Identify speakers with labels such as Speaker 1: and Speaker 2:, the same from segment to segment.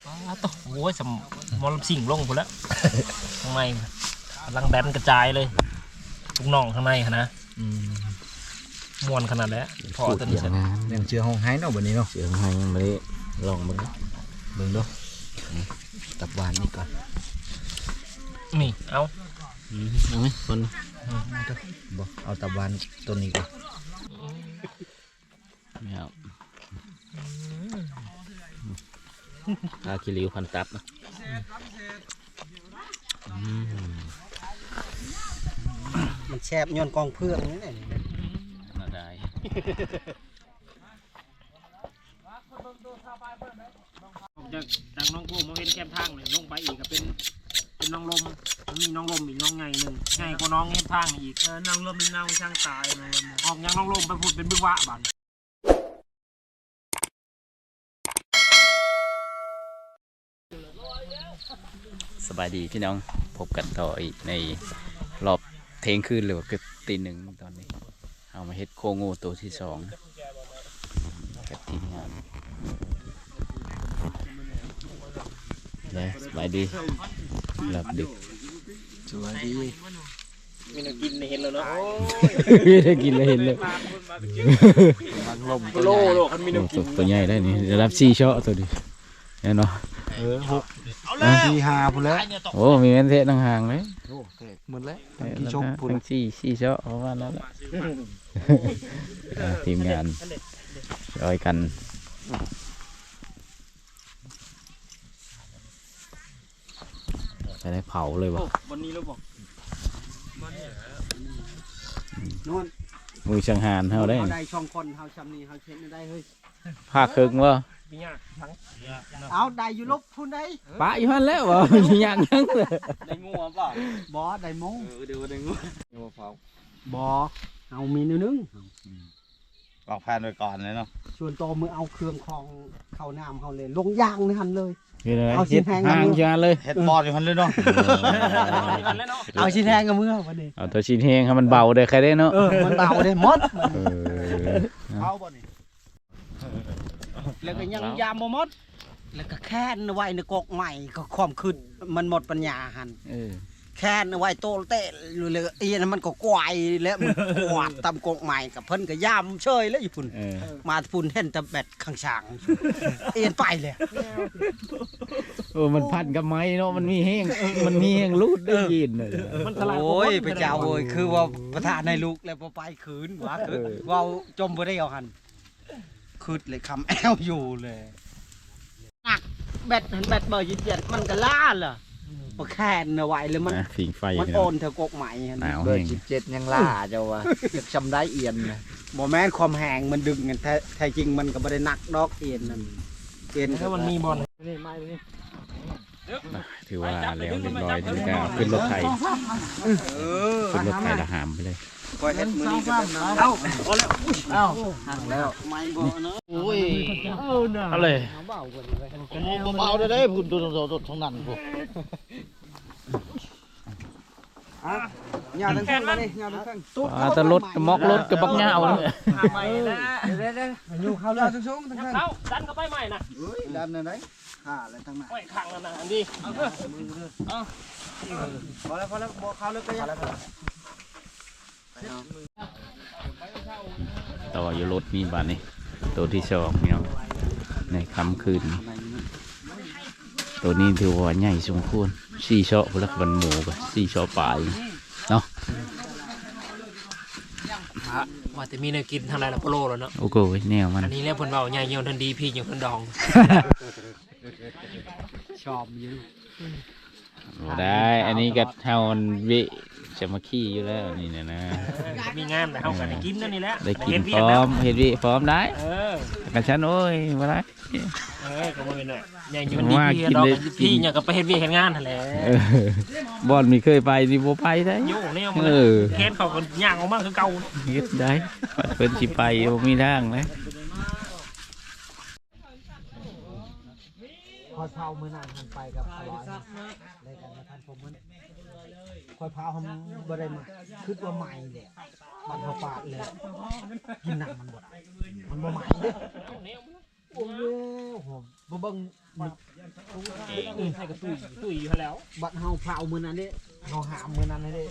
Speaker 1: ต่อโอ้ยสมอลสิ่งลงหมดแล้วข้างในกำลังแดนกระจายเลยทุกน่องข้างในนะม้วนขนาดแล้วพอตัวนี้เสร็จ
Speaker 2: ยังเชื่อห้องไห้เนาะวันนี้เนาะ
Speaker 3: เชื่อห้องไห้ยังไม่ได้ลองมึง
Speaker 2: ดูตับหวานนี่ก่อน
Speaker 1: นี่เอา
Speaker 3: ไหมคน
Speaker 2: บอกเอาตับหวานตัวนี้ก่อน
Speaker 3: ไม่เอาตาคิริวพันตับนะ
Speaker 2: มันแช่บย้อนกองเพื่องนี่แหละ
Speaker 3: น่าได้
Speaker 1: จากน้องโก้มาเป็นแคมทางเลยลงไปอีกก็เป็นน้องลมมีน้องลมอีกน้องไงหนึ่งไงกว่าน้องแคมทางอีกน้องลมเป็นน้องช่างตายออกยังน้องลมไปพูดเป็นบึ้งวะบัน
Speaker 3: สบายดีพี่น้องพบกันต่ออีกในรอบเที่ยงคืนหรือว่าเกือบตีหนึ่งตอนนี้เอามาเฮ็ดโคงูตัวที่สองกับทีมงานเลยสบายดีหลับดึก
Speaker 2: สบายดี
Speaker 1: มีน้ำกินเห็นแล้วเนาะ
Speaker 3: ไม่ได้กินเลยเห็นเลย
Speaker 1: โลมันมีน้ำกิน
Speaker 3: ตัวใหญ่ได้นี่จะรับ4 ช็อตตัวดิเนาะ
Speaker 2: 6 4 5พุ่นแล้ว
Speaker 3: โอ้มีเงินเทะต่างหางเลย
Speaker 2: โอ้เทะหมดแล้วกี่ชกพุ่น
Speaker 3: ทั้ง4 ช็อตประมาณนั้นแหละทีมงานช่วยกันจะได้เผาเลยวะ
Speaker 1: วันนี้เราบอก
Speaker 2: นู่น
Speaker 3: มือช่างหานเท่าได้
Speaker 2: ได้ช่องคนเฮาชำนี้เฮาเช็ดได้เฮ้ย
Speaker 3: ผ้าครึ่งวะ
Speaker 2: เอาได้อยู่ลบพุ่นได้
Speaker 3: ปะอยู่ฮั่นแล้ววะยังยังเลย
Speaker 1: ได้งูป่ะ
Speaker 2: บอได้มง
Speaker 1: เดี๋ยวได้งู
Speaker 2: เผาบอเอามีนึง
Speaker 1: ปอกแผ่นไปก่อนเลยเนาะ
Speaker 2: ส่วนโตมือเอาเครื่องคลองเข้าน้ำเขาเลยลงยางนี่หันเลย
Speaker 3: เอาชิ้นแห้งห่างยาเลย
Speaker 1: เฮ็ดบอลอยู่หันเลยเนาะ
Speaker 2: เอาชิ้นแห้งกับมือวันนี้
Speaker 3: เอาตัวชิ้นแห้งให้มันเบาได้ใครได้เนาะ
Speaker 2: มันเบาได้หมดเอาบ่นี่แล้วก็ยังยามบ่หมดแล้วก็แค่นไว้ในกกใหม่ก็ความขึ้นมันหมดปัญญาหันแค่นไว้โตเตะเลยเอียนมันก็กวายแล้วมันกวาดตำกกใหม่กับเพิ่นก็ย่ำเชยแล้วอยู่พุ่นมาพุ่นเห็นแต่แบดข้างช่างเอียนไปเลย
Speaker 3: มันพันกับไม้เนาะมันมีแห้งรูดได้ยินเลย
Speaker 2: โอ้ยไปเจ้าโอ้ยคือว่าประธานในลูกแล้วพอไปคืนว่าคือว่าจมบ่ได้เอาหันคืดเลยคำแอลอยู่เลยหนักแบดเบอร์27มันก็ล่าเหรอพอแค่นไว้เลยมัน
Speaker 3: ผิงไฟ
Speaker 2: มันโอนเธอกกใหม่
Speaker 3: เบอร์
Speaker 2: 17ยังล่าเจ้าวะจะจำได้เอียนนะโมแมนความแหงมันดึงกันแท้จริงมันก็ไม่ได้นักดอกเอียนนั่นเอียน
Speaker 1: ถ้ามันมีบอล
Speaker 3: นี่ไม่ถือว่าแล้วเรียบร้อยถึงจะขึ้นรถไถขึ้นรถไถละหามไปเลย
Speaker 2: คอยเห็ดมือนี้ก็เป็นน้ำเอาห่างแล้วไม่บ่เนาะโอ้ย
Speaker 3: เอาเลย
Speaker 1: เบาได้พุ่นตัวท้องนั่นพวก
Speaker 2: ยาทั้งข้างนี่ยาทั้งข้าง
Speaker 3: แต่รถมอกรถกับบักเงาเลย
Speaker 1: ใหม่นะ
Speaker 2: อยู่เขาเลยทั้งสูงทั้งข้าง
Speaker 1: ดันก็ไปใหม่นะ
Speaker 2: ดันอะไรข้าอะไรทั้งนั้น
Speaker 1: ไม่ขังแล้วนะอันนี้
Speaker 2: พอแล้วบอกเขาเลยก็ยัง
Speaker 3: ต่ออยู่รถมีบ้านนี่ตัวที่สองเนี่ยในค่ำคืนตัวนี้ถือว่าใหญ่สมควร4 ช็อตพลักวันหมูกับ4 ช็อตปลายเนาะ
Speaker 1: ว่าแต่มีเนื้อกินทางไรล่ะโปโลแล้วเนาะ
Speaker 3: โอ้โหแนวมัน
Speaker 1: อันนี้เรียกผลเบาใหญ่เยี่ยมทันดีพี่อย่างทันดอง
Speaker 2: ชอบอยู่
Speaker 3: ได้อันนี้ก็เท่าวิจะมาขี้อยู่แล้วนี่นะ
Speaker 1: มีงานแต่เขาได้กินนั่นนี่แหละ
Speaker 3: ได้กินพร้อมเห็ดวิพร้อมได้กันฉันโอ้ยมาได้
Speaker 1: ก็ไม่เป็นไรใหญ่อยู่ดีพี่เนี่ยก็ไปเห็ดวิเห็นงานแหละ
Speaker 3: บอลมีเคยไปดิโบไปได้
Speaker 1: ยุ่งเนี่ยมันแค่เขาคนย่างออกมาคือเก่า
Speaker 3: เฮ็ดได้เพิ่นสิไปมีทางนะ
Speaker 2: คอยเผามือหนังหันไปกับอร่อยในการมาทานผมมันคอยเผาผมบ่ได้มาคิดว่าใหม่เลยมันเขาปาดเลยกินหนังมันบ่ใหม่เด้โอ้โหบ่เบิ่ง
Speaker 1: ใส่กระตุ้ยอยู่แล้ว
Speaker 2: บัดเฮาเผามื้อนั้นเด้เฮาหามมื้อนั้นเด้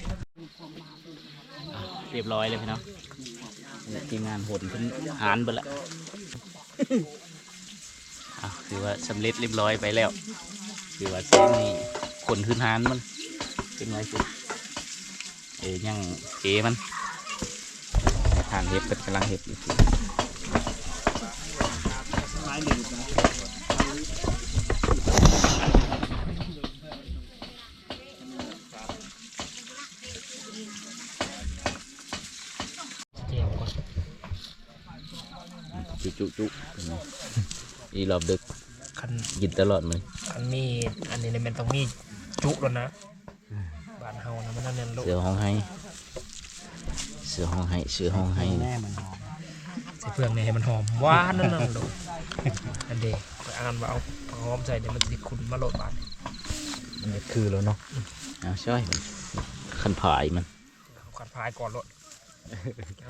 Speaker 3: เรียบร้อยเลยพี่น้องทีมงานหดขึ้นหานไปแล้วคือว่าสำเร็จเรียบร้อยไปแล้วคือว่าเส้นนี้ขนขึ้นหานมันเป็นไงสิยังเก๋มันทางเห็บเป็นกำลังเห็บอยู่
Speaker 1: ไม้หนึ่ง
Speaker 3: จุอีรอบดึก
Speaker 1: คัน
Speaker 3: กินตลอดมัน
Speaker 1: คันมีอันนี้เนี่ยมันต้องมีจุแล้วนะบ้านเฮานะมันนั่นเนี่ยลูก
Speaker 3: เสือห้องให้
Speaker 2: แม่มันหอม
Speaker 1: ใส่เปลือกเนี่ยให้มันหอมหวานนั่นลูกอันเดียวไปอ่านว่าเอาหอมใส่เดี๋ยวมันติดคุณมาโหลดบาน
Speaker 2: มันคือแล้วเนาะ
Speaker 3: เอาช่วยขันผายมัน
Speaker 1: ขัดพายก่อนโหลดเอา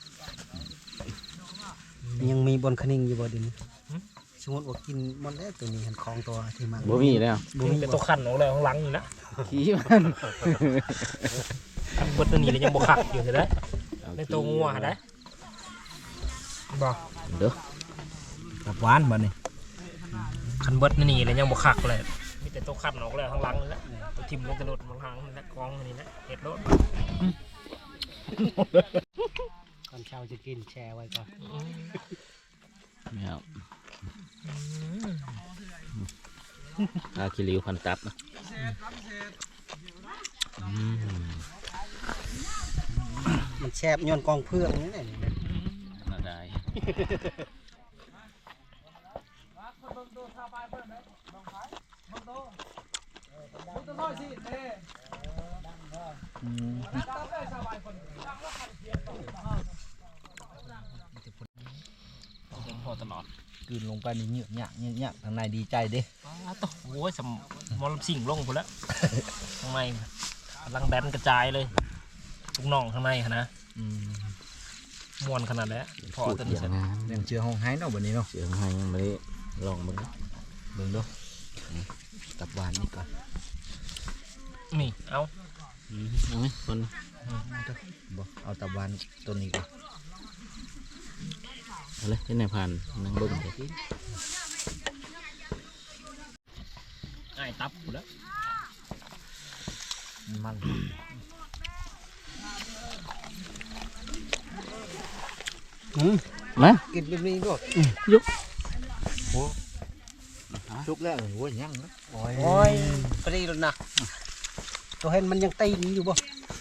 Speaker 2: ยังมีบนคนิ่งอยู่บ่ดินสมมติว่ากินหมดแล้วตัวนี้เห็นของตัวที่มัน
Speaker 3: บ่มีแล้ว
Speaker 1: บ่มีเป็นตัวขันของเลยของหลังนี่นะ
Speaker 3: ขี้มัน
Speaker 1: ขันเบิดตัวนี้เลยยังบ่ขักอยู่เลยในตัวงัวได้บ่
Speaker 3: เด้อ
Speaker 2: กับหวานบ่นี่
Speaker 1: ขันเบิดนี่เลยยังบ่ขักเลยมีแต่ตัวขันออกเลยข้างหลังนี่แหละตัวทิ่มลงกระโดดข้างหลังนี่แหละกองนี่แหละเห็ดโลด
Speaker 2: ก่อนเช้าจะกินแช่ไว้ก่อน
Speaker 3: ไม่เอาอาคิริวพันตับนะ
Speaker 2: มันแช่ย้อนกองเพื่องนี่แหละ
Speaker 3: น่าได้พอตลอด
Speaker 2: กินลงไปนี่เหยือกหยักทางในดีใจเด้
Speaker 1: ต่อโอ้ยสมอลสิ่งลงพุ่นแล้วข้างในกำลังแดนกระจายเลยทุกน่องข้างในนะม้วนขนาดแล้วพอตัวนี้เสร็จ
Speaker 2: ยังเชื่อห้องไห้เนาะวันนี้เนาะ
Speaker 3: เสียงให้ยังไม่ได้ลองมึง
Speaker 2: เบิ่งดูตับหวานนี่ก่อน
Speaker 1: นี่เอา
Speaker 3: เอาไหมคน
Speaker 2: บ่เอาตับหวานตัวนี้ก่อน
Speaker 3: เอาเลยที่ไหนผ่านนั่งเบิ้งเดี๋ยว
Speaker 1: ง่ายตับพุ่นแล้ว
Speaker 2: มัน
Speaker 3: มา
Speaker 2: กินแบบนี้ด้วย
Speaker 3: ยุก
Speaker 2: ชุกแล้วโอ้ยยังนะโอ้ยพอดีแล้วนะตัวเห็นมันยังตีนอยู่บ่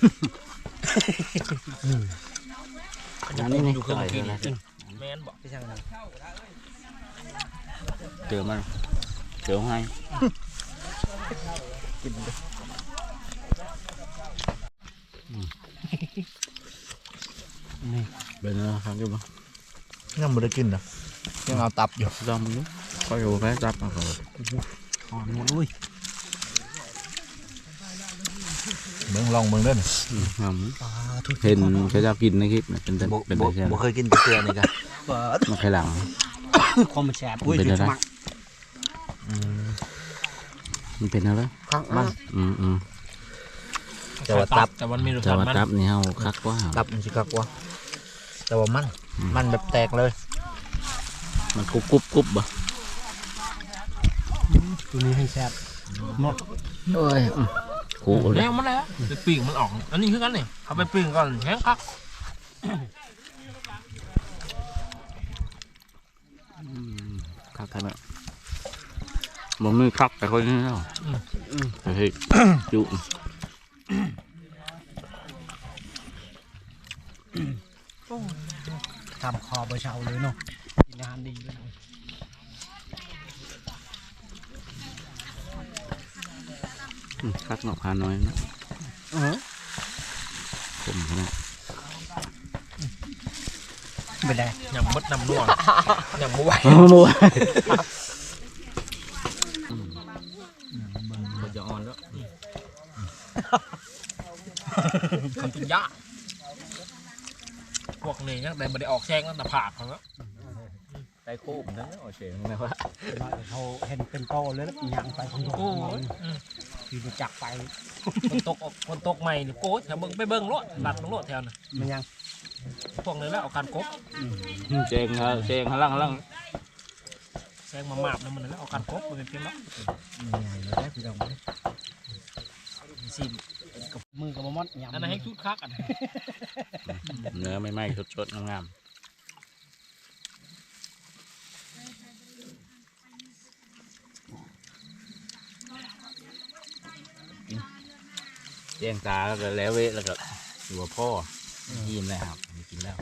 Speaker 3: อันนี้นี่
Speaker 1: อยู่เครื่องกินแม่นบอก
Speaker 2: ไปช่างนั้น
Speaker 3: เจอมันเจอให้
Speaker 2: กินดิ นี่
Speaker 3: เป็นอะไรครับอยู่บ้าง
Speaker 2: ยังไม่ได้กินนะยังเอาตับอยู่
Speaker 3: ลองมึงดูก็อยู่แค่จับมาก่อน
Speaker 2: หอมหมดเลยเบิ่งลองเบิ่งเด้อ
Speaker 3: เห็นเขาจะกินในคลิปเป็นอะไรใช่ไหม
Speaker 2: บ่เคยกินกระเทียมนี่กัน
Speaker 3: มันใครหลัง
Speaker 2: ความมันแสบอุ้ย
Speaker 3: เป็น
Speaker 2: จุ
Speaker 3: อะไร
Speaker 2: ดสมัคร
Speaker 3: มันเป็นอะไร
Speaker 2: ข้างมัน
Speaker 1: แต่ว่าตับแต่มันมีรส
Speaker 3: จะ
Speaker 1: ชาติ
Speaker 3: มา
Speaker 1: มัน
Speaker 3: ตับนี่เฮาคักว่า
Speaker 2: ตับมันสิคักวะแต่ว่ามันแบบแตกเลย
Speaker 3: มันกรุบบ่
Speaker 2: ตัวนี้ให้แซ่บหมด
Speaker 3: โอ้ยขู่เล
Speaker 1: แล้
Speaker 3: ยว
Speaker 1: มันแล้วไปปิ้งมันออกอันนี้คือกันนี่เอาไปปิ้งก่อนแห้งคัก
Speaker 3: คักขนาดมันไม่คักแต่คนนี้เนาะเฮ้ยจุ
Speaker 2: ทำคอเบอร์เชาเลยเนาะกินอาหารดีเลย
Speaker 3: คักหนอกพาน้อยนะผมนะ
Speaker 2: ไม่ได้
Speaker 1: ยำมดน้ำนัว ยำมไหว
Speaker 3: มัวมันจะอ่อนแล้ว
Speaker 1: คำกินยากพวกนี้ยังแต่ไม่ได้ออกแช่งแล้วแต่ผากเขาแล้ว
Speaker 2: ต
Speaker 3: ได้โค้งนะโอเคนะวะ
Speaker 2: เขาเห็นเป็นโตเลยแล้วยังไปของโอ้ยขี่จักรไป
Speaker 1: คนตกใหม่นี่โก้แถวเบิ่งไปเบิ่งรถหลัดลงรถแถวน่ะ
Speaker 2: มันยัง
Speaker 1: พวกนี้แล้วเอาการกบ
Speaker 3: เจงข้างล่าง
Speaker 1: แซงมาหมาบแล้วมันแล้วเอาการกบมันเป็นเพียงแล้ว
Speaker 2: มันยังเลยได้พี่น้อง
Speaker 1: ซิม
Speaker 2: กับมือกับมอดยำ
Speaker 1: อันนั้นให้ชุดคักอัน
Speaker 3: เนื้อไม่ไหม้สดๆงามแจ้งตาแล้วก็แล้วเวทแล้วก็อยู่กับพ่อยิ้มแล้วครับไม่กินแล้ว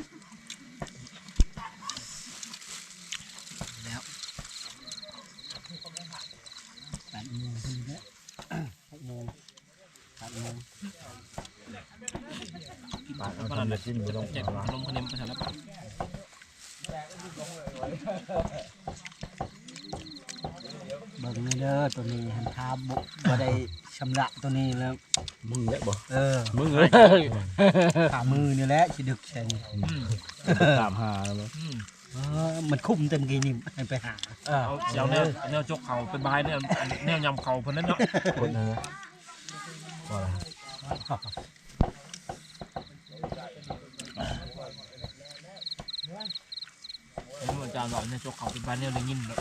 Speaker 2: 8 โมงพอดีแล้ว6 โมง 8 โมง
Speaker 1: ปากมันนั่นจิ้มไปลงเจ็บลมคะแนนไปแถวแล้ว
Speaker 2: เบิ่งนี่เด้อตัวนี้หันทาบุบ่ได้ชำระตัวนี้แล้ว
Speaker 3: มึงเนี่ยบ่ มึงเลย
Speaker 2: ขามือนี่แหละสิดึกใช่นี่
Speaker 3: ตามหาแล้ว
Speaker 2: มันคุ้มเต็มกี่นี่ให้ไปหา
Speaker 1: เอาเสียวแนวจกเขาเป็นบายแนวยำเขาเพิ่นนั่นเนาะ
Speaker 3: คนนึงว่าอะไร
Speaker 1: นี่มันจานหล่อแนวจกเขาเป็นบายแนวได้ยินแบบ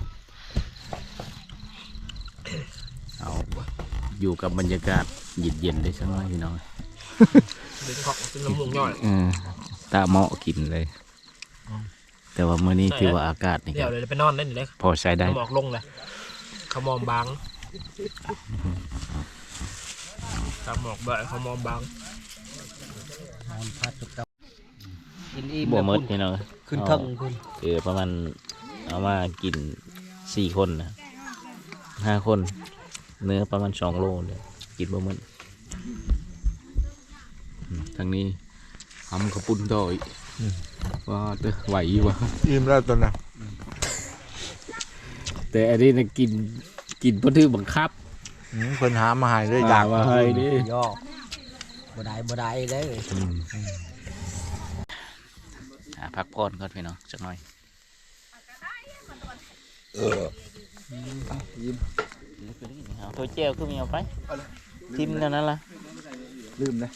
Speaker 3: เอาอยู่กับบรรยากาศเย็นๆได้สักหน่อยพี่น้อง
Speaker 1: เป็นเกาะเป็นลำวงย่อย
Speaker 3: ตาเหมาะกินเลย แต่ว่ามื้อนี้ถือว่าอากาศนี่
Speaker 1: เดี๋ยวเลยไปนอนเล่นอยู่เลย
Speaker 3: พอใช้ได้
Speaker 1: หมอกลงเลยขมอมบางตามหมอกแบบขมอมบาง
Speaker 2: นอนพัดจุกเตากินอิ่ม
Speaker 3: บ่หมดพี่น้อง
Speaker 2: ขึ้นเทิงคุณ
Speaker 3: คือประมาณเอามากิน4 คนนะ5 คน เนื้อประมาณ2 โลเลยกินบ่หมดทางนี้ทำข้าวปุ้นต่ออีกว่าจะไหววะ
Speaker 4: อิ่มแล้วตัวน่ะ
Speaker 3: แต่อันนี้นะกินเพราะถือบังคับ
Speaker 4: เพิ่นหามาให้เลยอยาก
Speaker 3: มาให้ดิ
Speaker 2: ย่อบ่ได้เด้อ
Speaker 3: พักผ่อนก่อนพี่น้องสักหน่อยเอาตัวเจลคือมีเอาไปทิมแล้วนั่นล่ะ
Speaker 4: ลืมนะ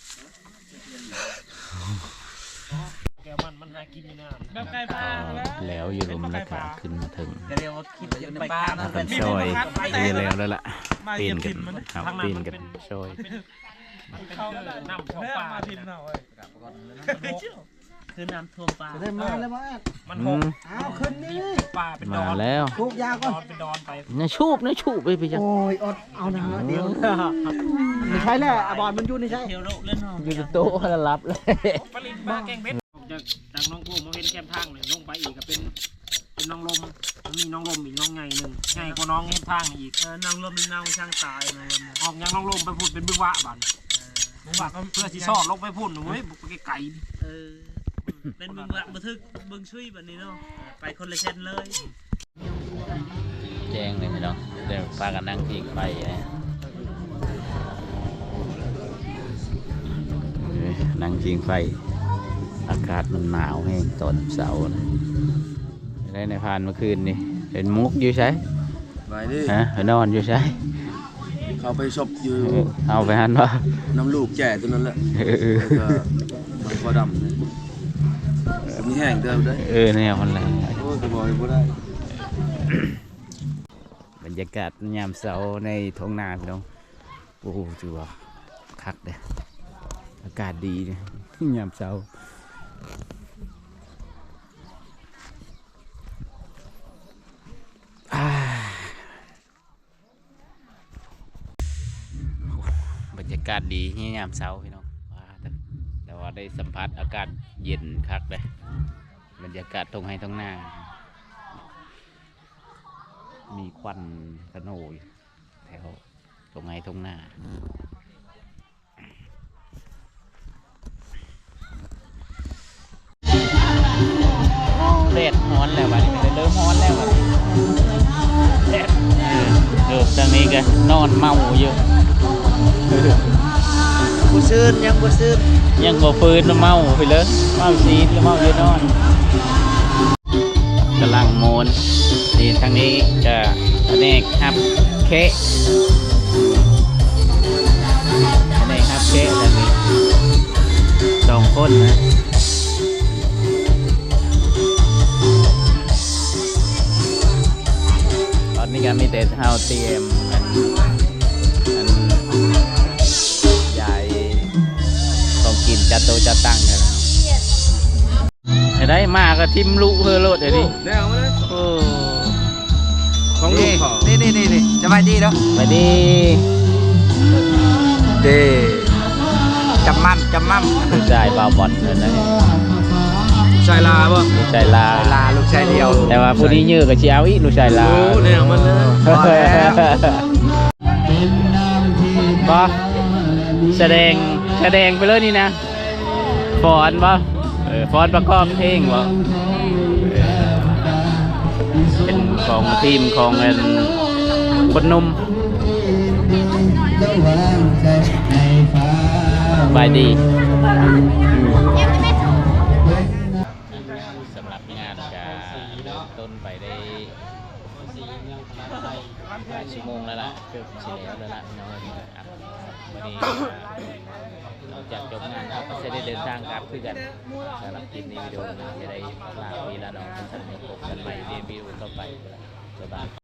Speaker 1: แกมันหากินอยู่นะแบบไก่ปลา
Speaker 3: แล้วอยู่ลมแล้วก็ขึ้นมาถึง
Speaker 2: เรียกว่าคิดอยู่ในปลา
Speaker 3: เป็นซอยแล้วล่ะเปลี่ยนกันครับเปลี่ยนกันซอย
Speaker 1: น้ำท่วมปลาคือน้ำท่วมปลา
Speaker 2: ได้มาแล้วบ่
Speaker 1: มันหก
Speaker 2: อ้าวขึ้นนี่
Speaker 1: ปลาเป็นด
Speaker 3: มา
Speaker 1: อน
Speaker 3: แล้ว
Speaker 2: ทุกยาก่อน
Speaker 1: เป็นดอนไป
Speaker 3: นะชูบไปไปจัง
Speaker 2: โอ้ยอดเอานะเดี๋ยวไม่ใช่แหละบอลมันอยู่นี่ใช่
Speaker 1: เที่ยวโลกเล่น
Speaker 3: อยู่ในโต๊ะแล้วรับเลย
Speaker 1: ปลินปลาแกงเพชรจากน้องโก้มาเป็นแคมทางเลยลงไปอีกก็เป็นน้องลมมันมีน้องลมอีกน้องไงหนึ่งไงกว่าน้องแคมทางอีกน้องลมเป็นน้องช่างตายน้องลมออกยังน้องลมไปพูดเป็นบึ้งวะบันบึ้งวะเพื่อที่ชอบลงไปพูดเว้ยบุกไปไกล
Speaker 5: เป็นเมืองบันทึกเมืองช่วยแบบนี้เนาะไปคนละเช่นเลย
Speaker 3: แจ้งเลยพี่น้องเดี๋ยวพากันนั่งพิงไปนั่งพิงไฟอากาศมันหนาวแห้งตอนเสาร์นะได้ในพานเมื่อคืนนี่เห็นมุกอยู่ใช่
Speaker 4: ไปดิ
Speaker 3: ฮะนอนอยู่ใช่
Speaker 4: เขาไปชบอยู่
Speaker 3: เอาไปหันว่า
Speaker 4: น้ำลูกแก่ตัวนั้นแหละแล้วก็มันก็ดำเลยมีแห้งเดิมได้
Speaker 3: เนี่ยมันอะไร
Speaker 4: โอ้ยก็บอกให้บ่ได้
Speaker 3: บรรยากาศยามเสาร์ในท้องนาพี่น้องโอ้โหถือว่าคักเลยอากาศดีเนี่ยยามเสาร์บรรยากาศดีนี่ยามเช้าพี่น้องแต่ว่าได้สัมผัสอากาศเย็นคักเลยบรรยากาศตรงให้ตรงหน้า มีควันขโนยแถวตรงให้ตรงหน้าแดดร้อนแล้ววันนี้เริ่มร้อนแล้ววันนี้แดดทางนี้ก็นอนเมาอยู่
Speaker 2: บ่ซื่นยังบ่ซื่น
Speaker 3: ยังบ่ฟื้นเมาไปเลยเมาซีดแล้วเมาเยอะนอนกำลังโมนนี่ทางนี้จะอันนี้ครับเคะอันนี้ครับเคะทางนี้2 คนนะตอนนี้ก็มีแต่เฮาเตรียมอันใหญ่ของกินจัดโตะจัดตั้งกันได้มาก็ทิมลุเฮอโลดเดี๋ยวนี้
Speaker 4: ได้เอามาเลย
Speaker 3: โอ้
Speaker 4: ของลูกเขา
Speaker 2: นี่สบายดีเนาะ
Speaker 3: ไปดี
Speaker 2: เด้จำมั่ม
Speaker 3: ลูกชายบาวบอลเลยนะ
Speaker 4: ชายลาป่ะ
Speaker 3: ลูกชายลา
Speaker 2: ลาลูกชายเดียว
Speaker 3: แต่ว่าผู้ที่ยื้อก็เชียวอีกลูกชายลา
Speaker 4: โอ้เนี่ยเอามันเลย
Speaker 2: พอแล้ว
Speaker 3: ก็แสดงไปเลยนี่นะฟอนบ่ฟอนประกอบเพลงบ่เป็นของทีมของคนหนุ่มบายดีสำหรับงานจะเริ่มต้นไปได้หลายชั่วโมงแล้วล่ะเกือบเฉลี่ยแล้วล่ะน้องวันนี้หลังจากจบงานเราก็จะได้เดินทางกลับคือกันสำหรับคลิปนี้วิดีโอนี้จะได้ลาพี่ละน้องท่านผู้ชมกันใหม่ในวิดีโอต่อไปบ๊ายบาย